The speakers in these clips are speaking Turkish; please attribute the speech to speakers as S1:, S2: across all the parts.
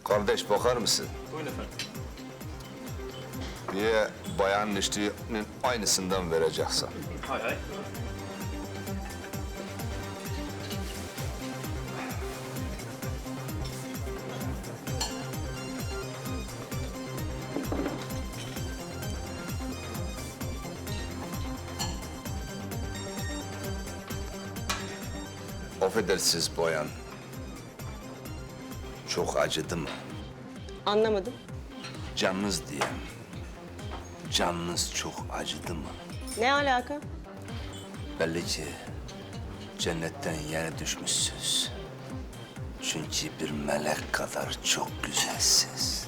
S1: Kardeş bakar mısın?
S2: Buyurun efendim.
S1: Bir bayanın içtiğinin aynısından vereceksin.
S2: Hay hay.
S1: Affedersiniz bayan. Çok acıdı mı?
S3: Anlamadım.
S1: Canınız diyeyim. Canınız çok acıdı mı?
S3: Ne alaka?
S1: Belli ki cennetten yere düşmüşsünüz. Çünkü bir melek kadar çok güzelsiniz.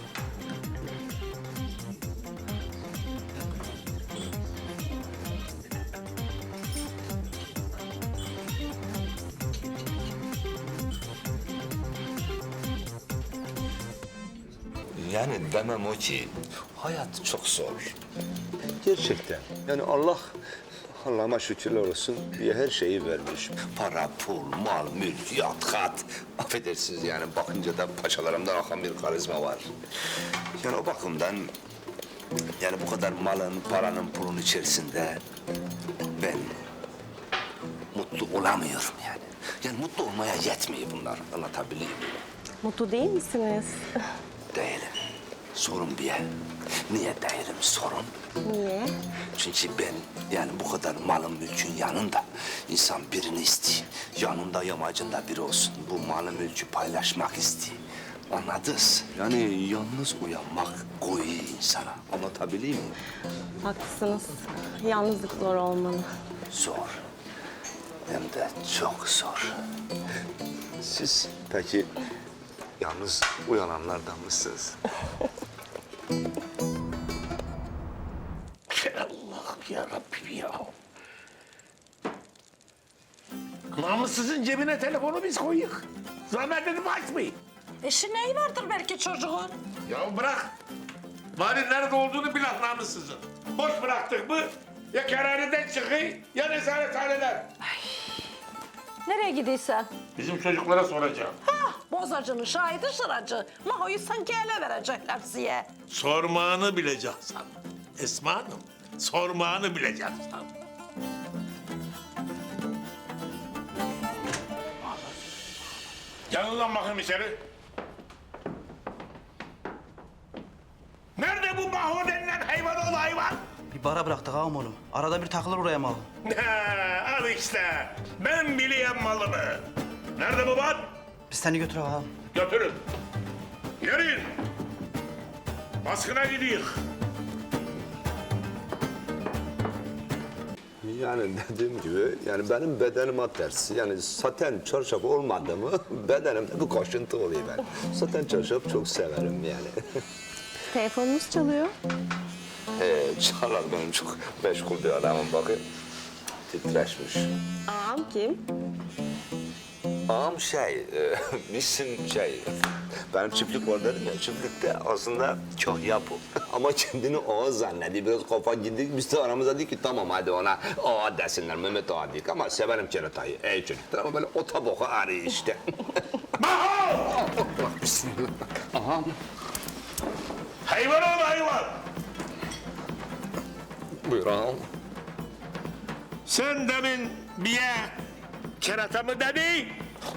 S1: Yani demem o ki hayat çok zor. Gerçekten. Yani Allah'ıma şükürler olsun bir her şeyi vermiş. Para, pul, mal, mülk, yat, kat. Affedersiniz yani bakınca da paçalarımdan akan bir karizma var. Yani o bakımdan yani bu kadar malın, paranın, pulun içerisinde ben mutlu olamıyorum yani. Yani mutlu olmaya yetmiyor bunlar. Anlatabiliyor muyum?
S3: Mutlu değil misiniz?
S1: Değilim. Sorun bir. Niye değilim sorun?
S3: Niye?
S1: Çünkü ben yani bu kadar malın mülkün yanında insan birini istiyor. Yanında yamacında biri olsun. Bu malı mülkü paylaşmak istiyor. Anladınız? Yani yalnız uyanmak koyuyor insana. Anlatabiliyor muyum?
S3: Haklısınız. Yalnızlık zor olmalı.
S1: Zor. Hem de çok zor. Siz peki yalnız uyananlardan mısınız?
S4: Allah'ım ya Rabbim ya. Namussuzun cebine telefonu biz koyuyoruz. Zahmet edip açmayın.
S5: Eşi neyi vardır belki çocuğun?
S4: Ya bırak. Bari nerede olduğunu bilen namussuzun. Boş bıraktık mı ya kerhaneden çıkıyor ya nezarethaneler.
S5: Nereye gidiyorsan?
S4: Bizim çocuklara soracağım.
S5: Bozacının şahidi sıracı. Mahoyu sanki ele verecekler size.
S4: Sormağını bileceksin. Esma Hanım, sormağını bileceksin. Gelin lan bakayım içeri. Nerede bu Maho denilen hayvanoğlu hayvan?
S6: Bir bara bıraktık ağam onu. Arada bir takılır buraya mal.
S4: Al işte. Ben biliyorum malımı. Nerede bu bat?
S6: Biz seni götür ağam.
S4: Götürün. Yürüyün. Baskına gidiyoruz.
S1: Yani dediğim gibi yani benim bedenime tersi. Yani saten çarşaf olmadı mı bedenimde bir koşuntu oluyor ben. Saten çarşaf çok severim yani.
S3: Telefonunuz çalıyor.
S1: Çalar benim çok meşgul bir adamım bakın. Titreşmiş.
S3: Ağam kim?
S1: Ağam bizim benim çiftlik var dedim ya, çiftlikte aslında kahya bu. Ama kendini ağa zannediyor, biraz kafa gidik. Biz de aramızda dedik ki tamam hadi ona ağa desinler, Mehmet ağa dedik. Ama severim keratayı, ey çocuklar ama böyle ota boka arıyor işte.
S4: Maho!
S1: Bak bismillah. Ağam.
S4: Hayvanoğlu hayvan.
S1: Buyur ağam.
S4: Sen demin biye kerata mı dedin?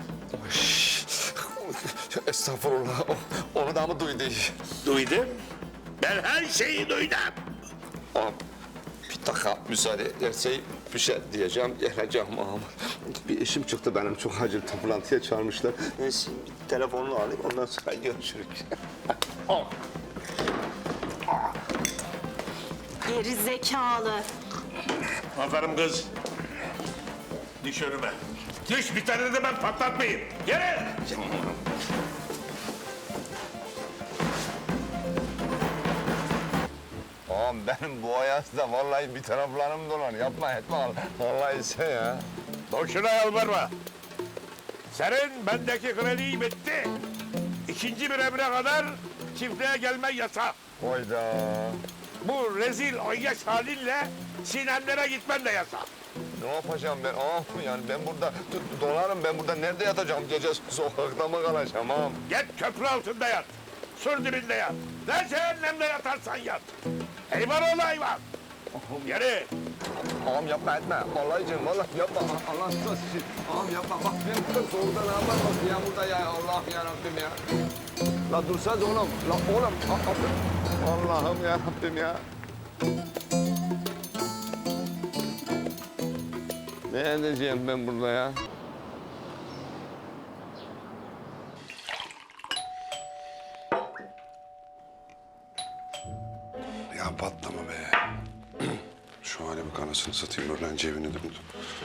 S1: Estağfurullah, onu da mı duydu?
S4: Duydum. Ben her şeyi duydum.
S1: Ağam, bir dakika müsaade ederse bir şey diyeceğim, geleceğim ağam. Bir işim çıktı benim, çok acil toplantıya çağırmışlar. Neyse, bir telefonunu alayım, ondan sonra görüşürüz.
S3: Geri zekalı.
S4: Aferin kız. Düş önüme. Düş, bir tane de ben patlatmayayım. Yere!
S1: Ağam benim bu hayatda vallahi bir taraflarım dolan. Yapma etme vallahi sen ya.
S4: Boşuna yalvarma. Senin bendeki kredi bitti. İkinci bir emre kadar çiftliğe gelme yasak.
S1: Hayda.
S4: Bu rezil oyyaş halinle Sinemlere gitmen de yasak.
S1: Ne yapacağım ben ağam? Yani ben burada dolarım, ben burada nerede yatacağım? Gece sokakta mı kalacağım ağam?
S4: Git köprü altında yat. sur dibinde yat. Ne cehennemde yatarsan yat. Hayvan ol hayvan. Yürü.
S1: Ağam yapma etme. Vallahi canım vallahi yapma. Allah razı olsun. Ağam yapma. Bak benim burada soğukta ne yapar bak yağmurda ya. Allah ya Rabbim ya. La dursanız oğlum. La oğlum. Allah'ım ya Rabbim ya. Ne edeceğim ben burada ya?
S2: Ya patlama be. Şu hale bak anasını satayım. Öğrenci evini de buldum.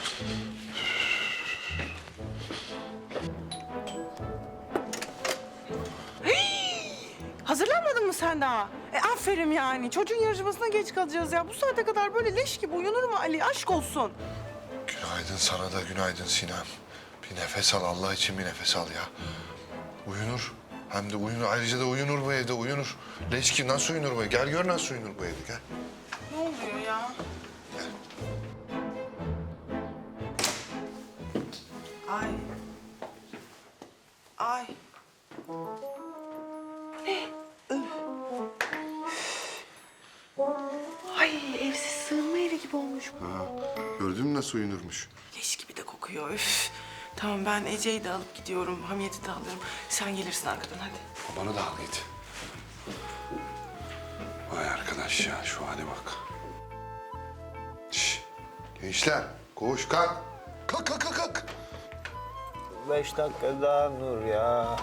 S7: Hazırlanmadın mı sen daha? Aferin yani. Çocuğun yarışmasına geç kalacağız ya. Bu saate kadar böyle leş gibi uyunur mu Ali? Aşk olsun.
S2: Günaydın sana da günaydın Sinem. Bir nefes al Allah için bir nefes al ya. Uyunur. Hem de uyunur. Ayrıca da uyunur bu evde uyunur. Leş gibi nasıl uyunur bu evde? Gel gör nasıl uyunur bu evde gel.
S7: Ne oluyor ya? Ay. Ay. Ne? Ay evsiz sığınma evi gibi olmuş.
S2: Ha, gördün mü nasıl uyunurmuş?
S7: Leş gibi de kokuyor. Üf. Tamam ben Ece'yi de alıp gidiyorum. Hamiyet'i de alıyorum. Sen gelirsin arkadan hadi.
S2: Babanı da al git. Vay arkadaş ya şu hale bak. Şş, gençler koş kalk. Kalk kalk kalk kalk.
S1: 5 dakika daha Nur ya.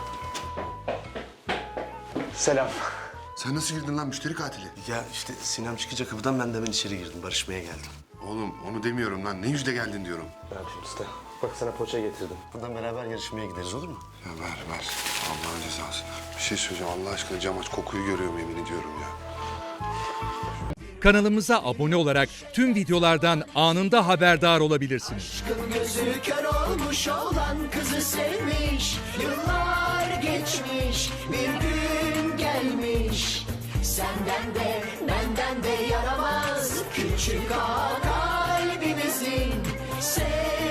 S8: Selam.
S2: Sen nasıl girdin lan müşteri katili?
S8: Ya işte Sinem çıkınca kapıdan ben de hemen içeri girdim. Barışmaya geldim.
S2: Oğlum onu demiyorum lan. Ne yüzle geldin diyorum.
S8: Bırak şimdi usta. Bak sana poğaça getirdim. Buradan beraber yarışmaya gideriz olur mu?
S2: Ya ver. Allah'ın cezası. Bir şey söyleyeceğim Allah aşkına cam aç. Kokuyu görüyorum yemin ediyorum ya.
S9: Kanalımıza abone olarak tüm videolardan anında haberdar olabilirsiniz.
S10: Aşkın gözü kör olmuş olan kızı sevmiş. Yıllar geçmiş bir gün gelmiş. Senden de benden de yaramaz küçük ağa kalbimizin.